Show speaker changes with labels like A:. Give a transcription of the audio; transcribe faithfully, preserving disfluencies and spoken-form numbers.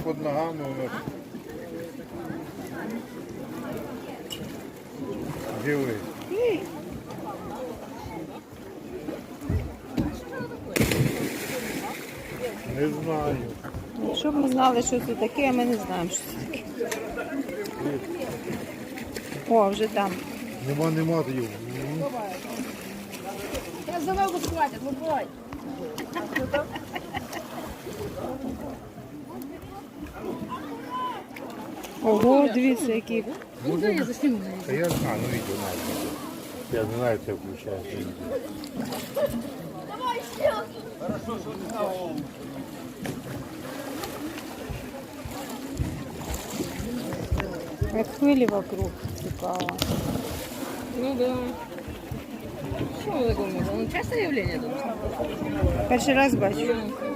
A: під ногами у нас. Диви. Не знаю.
B: Якщо б ми знали, що це таке, а ми не знаємо, що це таке. О, вже там.
A: Нема, нема його.
C: Я за ногу схватят, ну бой.
B: Ого, дивіться, які.
C: Ну да, я засниму.
A: Та я знаю, ну відео знаю. Я не знаю, це включається.
B: Як хвилі вокруг. Цікаво.
C: Ну да. Что вы такое? Ну частое явление тут?
B: Перший раз бачу.
C: Ну,